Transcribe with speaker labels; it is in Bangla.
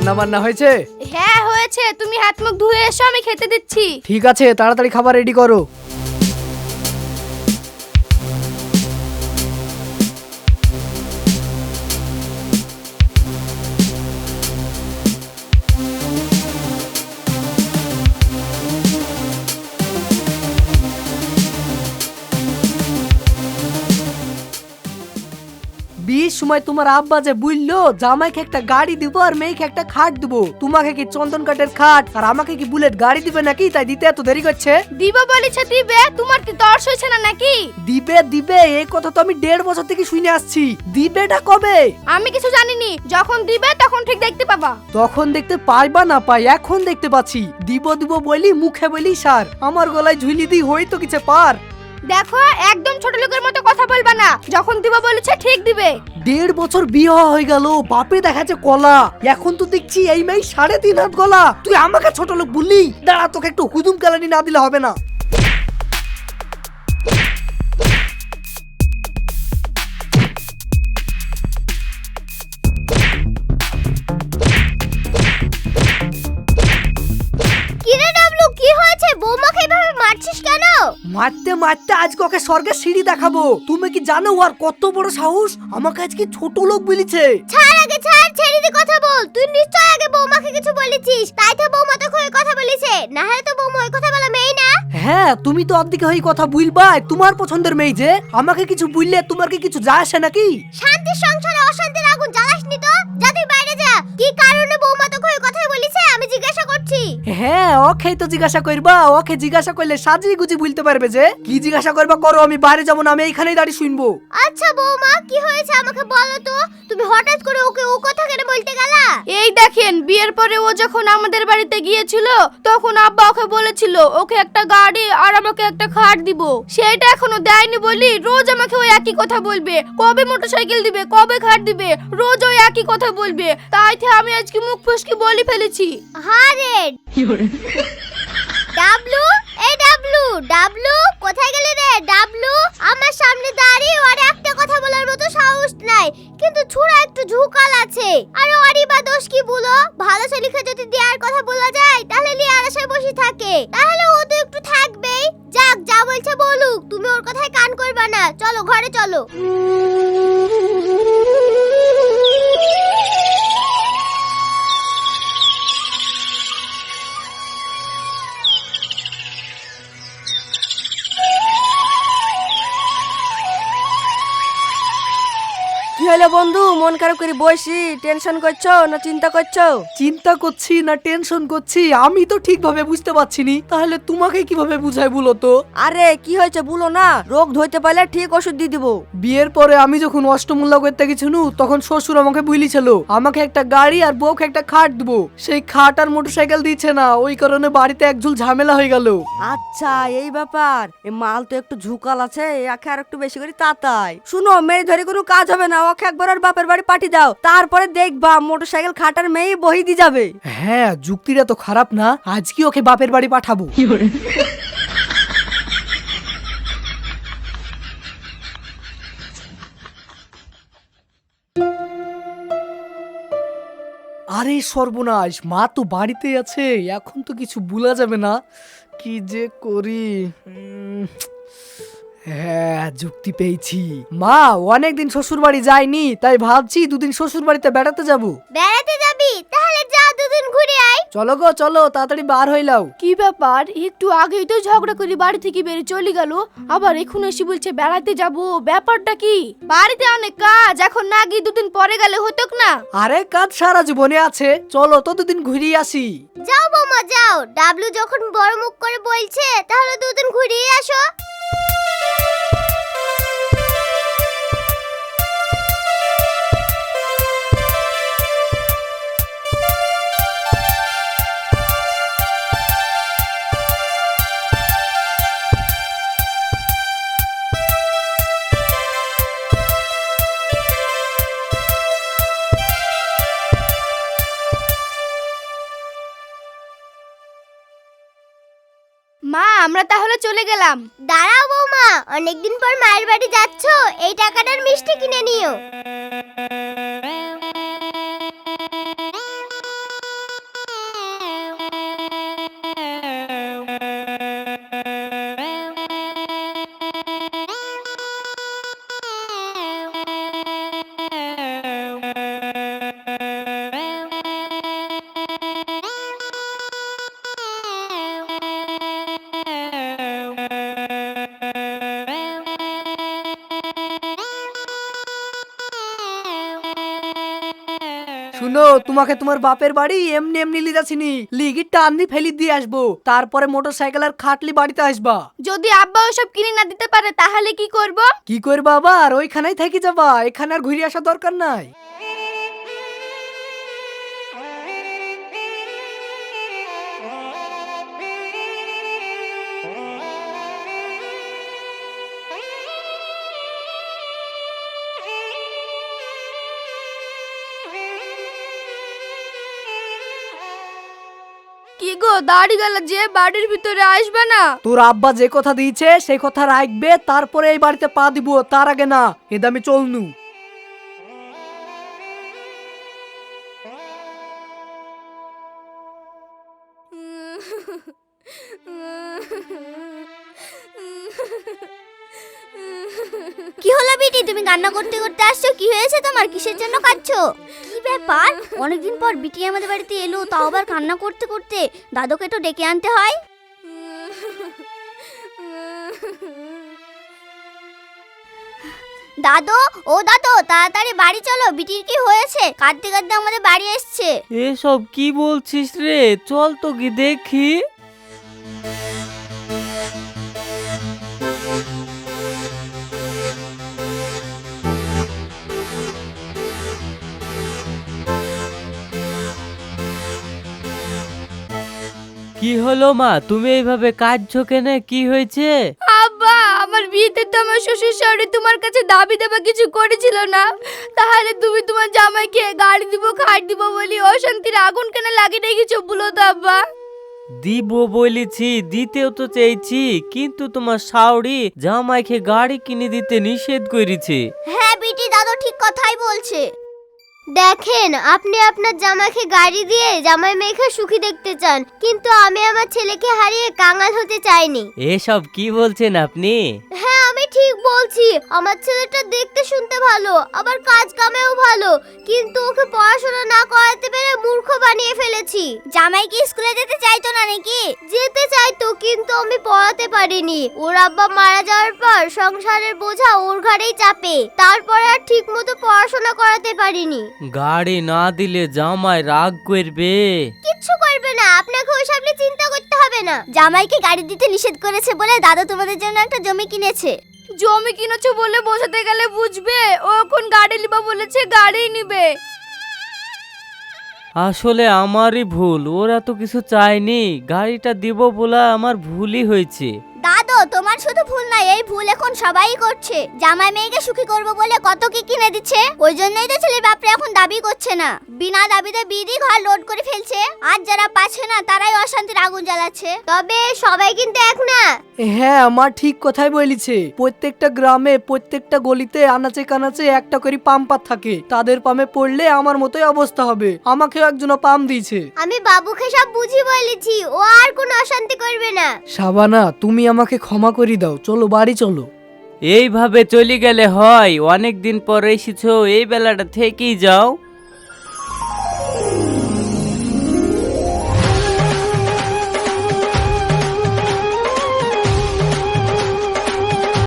Speaker 1: রান্না বান্না হয়েছে?
Speaker 2: হ্যাঁ হয়েছে, তুমি হাত মুখ ধুয়ে এসো, আমি খেতে দিচ্ছি।
Speaker 1: ঠিক আছে, তাড়াতাড়ি খাবার রেডি করো। বিয়ের সময় তোমার আব্বা যে বললো জামাইকে একটা গাড়ি দিব আর মেয়েকে একটা খাট দিব, তোমাকে কি চন্দন কাঠের খাট আর আমাকে কি বুলেট গাড়ি দিবে নাকি? তাই দিতে এত দেরি করছে?
Speaker 2: দিব বলেছে দিবে, তোমার কি তর্স হয়েছে না নাকি?
Speaker 1: দিবে দিবে এই কথা তো আমি 1.5 বছর থেকে শুনে আসছি। দিবেটা কবে?
Speaker 2: আমি কিছু জানিনি, যখন দিবে তখন ঠিক দেখতে পাবা।
Speaker 1: তখন দেখতে পাইবা না পাই, এখন দেখতে পাচ্ছি। দিব দিব বলি মুখে বলি সার, আমার গলায় ঝুলি দি হয়তো কিছু পার।
Speaker 2: দেখো একদম ছোট লোকের মতো কথা বলবা না, যখন দিব বলেছে ঠিক দিবে।
Speaker 1: 1.5 বছর বিয়ে হয়ে গেল, বাপে দেখাচ্ছে কলা, এখন তো দেখছি এই মেয়ে 3.5 হাত গলা। তুই আমাকে ছোট লোক বললি? দাঁড়া, তোকে একটু হুদুম কালানি না দিলে হবে না।
Speaker 2: কিরে ডাবলু, কি হয়েছে? বৌমাকে এভাবে মারছিস কেন?
Speaker 1: মারতে মারতে আজকে ওকে স্বর্গের সিঁড়ি দেখাবো। তুমি কি জানো ওর কত বড় সাহস? আমাকে আজকে ছোট লোক বলেছে।
Speaker 2: ছাড় আগে ছাড়, ছেড়ে দি কথা বল। তুই নিশ্চয় আগে বৌমাকে কিছু বলেছিস, তাই তো বৌমা তোকে ওই কথা বলেছে। না হলে তো বৌমা ওই কথা বলা মেয়ে না।
Speaker 1: হ্যাঁ, তুমি তো অর্ধেকে হয়ে কথা বুঝবা, তোমার পছন্দের মেয়ে যে। আমাকে কিছু বুঝলে তোমার কি কিছু যায় আসে নাকি?
Speaker 2: শান্তির সংসারে অশান্তির আগুন জ্বালাসনি তো। যা তুই বাইরে যা। কি কারণে বৌমা তোকে ওই কথা বলেছে আমি জিজ্ঞাসা করছি।
Speaker 1: হ্যাঁ, ওকে তো জিজ্ঞাসা করবা। ওকে জিজ্ঞাসা করলে সাজি গুজি বলতে পারবে যে। কি জিজ্ঞাসা করবা করো, আমি বাইরে যাবো না, আমি এইখানেই দাঁড়িয়ে শুনবো।
Speaker 2: আচ্ছা বৌমা, কি হয়েছে আমাকে বলো তো। তুমি হঠাৎ করে ওকে ও কথা কেন বলতে গেলা? এই দেখেন, বিয়ের পরে ও যখন আমাদের বাড়িতে গিয়েছিল তখন আব্বা ওকে বলেছিল ওকে একটা গাড়ি আর আমাকে একটা খাট দিব। সেটা এখনো দেয়নি বলি রোজ আমাকে ওই একই কথা বলবে। কবে মোটরসাইকেল দিবে, কবে খাট দিবে, রোজ ওই একই কথা বলবে। তাই তো আমি আজকে মুখ ফসকে বলি ফেলেছি। হারে ডাবলু, এই ডাবলু, ডাবলু কোথায় গেলি রে? ডাবলু আমার সামনে দাঁড়িয়ে আর একটা কথা বলার মতো সাহস নাই, কিন্তু ছুরা একটু ঝুকাল আছে। আর ওরই বা দোষ কি বলো? ভালো ছেলেকে যদি দেওয়ার কথা বলা যায় তাহলে লিয়ার আশায় বসে থাকে, তাহলে ও তো একটু থাকবেই। যাক, যা বলছে বলুক, তুমি ওর কথায় কান করবা না। চলো ঘরে চলো।
Speaker 3: কি হলো বন্ধু, মন খারাপ করে বসি? টেনশন করছো না চিন্তা করছো?
Speaker 1: চিন্তা করছি না টেনশন করছি আমি তো ঠিকভাবে বুঝতে পারছি নি। তাহলে তোমাকে কিভাবে বুঝাই বলো তো?
Speaker 3: আরে কি হয়েছে বলো না, রোগ ধরতে পারলে ঠিক ওষুধ দিয়ে দিব।
Speaker 1: বিয়ের পরে আমি যখন অষ্টমূল্য করতে গেছিনু তখন শ্বশুর আমাকে বলেছিল আমাকে একটা গাড়ি আর বউকে একটা খাট দিব। সেই খাট আর মোটরসাইকেল দিচ্ছে না, ওই কারণে বাড়িতে একঝুল ঝামেলা হয়ে গেল।
Speaker 3: আচ্ছা এই ব্যাপার। এই মাল তো একটু ঝুকাল আছে, একে আর একটু বেশি করে তাতাই। শুনো, মেয়ে ধরে কোনো কাজ হবে না, ওকে একবার আর বাপের বাড়ি পাঠিয়ে দাও, তারপরে দেখবা মোটরসাইকেল খাটার মেয়ে বহি দিয়ে যাবে।
Speaker 1: হ্যাঁ, যুক্তিটা তো খারাপ না, আজকে ওকে বাপের বাড়ি পাঠাবো। আরে সর্বনাশ, মা তো বাড়িতে আছে, এখন তো কিছু বলা যাবে না। কি যে করি? হ্যাঁ, যুক্তি পেয়েছি। মা অনেকদিন শ্বশুর বাড়ি যায়নি, তাই ভাবছি দুদিন শ্বশুর বাড়িতে বেড়াতে যাবো।
Speaker 2: বেড়াতে যাবি? তাহলে যা, দুদিন ঘুরে আয়।
Speaker 1: চলো গো চলো, তাড়াতাড়ি বার হইলাও।
Speaker 2: কি ব্যাপার, একটু আগেই তো ঝগড়া করে বাড়ি থেকে বেরিয়ে চলে গেল, আবার এখন এসে বলছে বেড়াতে যাব। ব্যাপারটা কি? বাড়িতে অনেক কাজ, এখন না গিয়ে দুদিন পরে গেলে হতো না?
Speaker 1: আরে কাজ সারা জীবনে আছে, চলো তো দুদিন ঘুরিয়ে আসি।
Speaker 2: যাও বৌমা যাও, ডাবলু যখন বড় মুখ করে বলছে তাহলে দুদিন ঘুরিয়ে আসো। মা আমরা তাহলে চলে গেলাম। দাঁড়াও বৌমা, অনেকদিন পর মায়ের বাড়ি যাচ্ছো, এই টাকাটার মিষ্টি কিনে নিও।
Speaker 1: শুনো, তোমাকে তোমার বাপের বাড়ি এমনি এমনি লিয়ে যাচ্ছিনি, লিগি টান দিয়ে ফেলি দিয়ে আসবো, তারপরে মোটরসাইকেল আর খাটলি বাড়িতে আসবা।
Speaker 2: যদি আব্বা ওসব কিনে না দিতে পারে তাহলে কি করব?
Speaker 1: কি করবা আবার? ওইখানেই থেকে যাবা, এখানে আর ঘুরে আসা দরকার নাই।
Speaker 2: কি গো, দাড়ি গেল যে বাড়ির ভিতরে আসবে না?
Speaker 1: তোর আব্বা যে কথা দিয়েছে সেই কথা রাখবে, তারপরে এই বাড়িতে পা দিব, তার আগে না। এদা আমি চলনু।
Speaker 2: কি হলো বিটি, তুমি কান্না করতে করতে আসছো? কি হয়েছে তোমার? কিসের জন্য কাঁদছো? কি ব্যাপার? অনেকদিন পর বিটি আমাদের বাড়িতে এলো, তাও আবার কান্না করতে করতে। দাদুকে তো ডেকে আনতে হয়। দাদু, ও দাদু, তাড়াতাড়ি বাড়ি চলো। বিটির কি হয়েছে? কাঁদতে কাঁদতে আমাদের বাড়ি এসছে।
Speaker 4: এসব কি বলছিস রে? চল তো কি দেখি। কি হলো মা, তুমি এইভাবে কাঁদছো কেন? কি হয়েছে?
Speaker 2: আব্বা, আমার বিয়েতে তো আমার শ্বশুর শাশুড়ি তোমার কাছে দাবি দেবা কিছু করেছিল না, তাহলে তুমি তোমার জামাইকে গাড়ি দিব খাট দিব বলি অশান্তির আগুন কেন লাগিয়ে রেখেছো বলো তো আব্বা?
Speaker 4: দিব বলেছি, দিতেও তো চেয়েছি, কিন্তু তোমার শাওড়ি জামাইকে গাড়ি কিনে দিতে নিষেধ করেছে।
Speaker 2: হ্যাঁ বিটি, দাদু ঠিক কথাই বলছে। দেখেন, আপনি আপনার জামাইকে গাড়ি দিয়ে জামাই মেয়েকে সুখী দেখতে চান, কিন্তু আমি আমার ছেলেকে হারিয়ে কাঙাল হতে চাইনি।
Speaker 4: এসব কি বলছেন আপনি?
Speaker 2: হ্যাঁ, আমি ঠিক বলছি। আমার ছেলেটা দেখতে শুনতে ভালো, আবার কাজ কামেও ভালো, কিন্তু ওকে পড়াশোনা না করাতে পেরে মূর্খ বানিয়ে ফেলেছি। জামাই কি স্কুলে যেতে চাইতো না নাকি? যেতে চাইতো, কিন্তু আমি পড়াতে পারিনি। ওর আব্বা মারা যাওয়ার পর সংসারের বোঝা ওর ঘাড়েই চাপে, তারপরে আর ঠিক মতো পড়াশোনা করাতে পারিনি।
Speaker 4: গাড়ি না দিলে জামাই রাগ করবে।
Speaker 2: কিচ্ছু করবে না, আপনাকে ওইসব নিয়ে চিন্তা করতে হবে না। জামাইকে গাড়ি দিতে নিষেধ করেছে বলে দাদা তোমাদের জন্য একটা জমি কিনেছে। জমি কিনেছে বলে বোঝাতে গেলে বুঝবে, ও এখন গাড়ি নিবা বলেছে, গাড়ি নিবে।
Speaker 4: আসলে আমারই ভুল, ওরা তো কিছু চায়নি, গাড়িটা দিব বলে আমার ভুলই হয়েছে।
Speaker 2: দাদু, তোমার শুধু ভুল না, এই ভুল এখন সবাই করছে। জামাই মেয়েকে সুখী করবো বলে কত কি কিনে দিচ্ছে, ওই জন্যই তো ছেলের বাপরে এখন দাবি করছে না। বিনা দাবিতে বিধি ঘর লোড করে ফেলছে, আর যারা পাচ্ছে না তারাই অশান্তির আগুন জ্বালাচ্ছে। তবে সবাই কিন্তু এক না।
Speaker 1: হ্যাঁ, আমার ঠিক কথাই বলেছে। প্রত্যেকটা গ্রামে প্রত্যেকটা গলিতে আনাচে কানাচে একটা করে পাম্পার থাকে, তাদের পামে পড়লে আমার মতোই অবস্থা হবে। আমাকেও একজন পাম দিয়েছে।
Speaker 2: আমি বাবুকে সব বুঝি বলেছি, ও আর কোনো অশান্তি করবে না।
Speaker 1: শাবানা, তুমি আমাকে ক্ষমা করে দাও, চলো বাড়ি চলো।
Speaker 4: এইভাবে চলে গেলে হয়? অনেক দিন পর এসেছো, এই বেলাটা থেকেই যাও।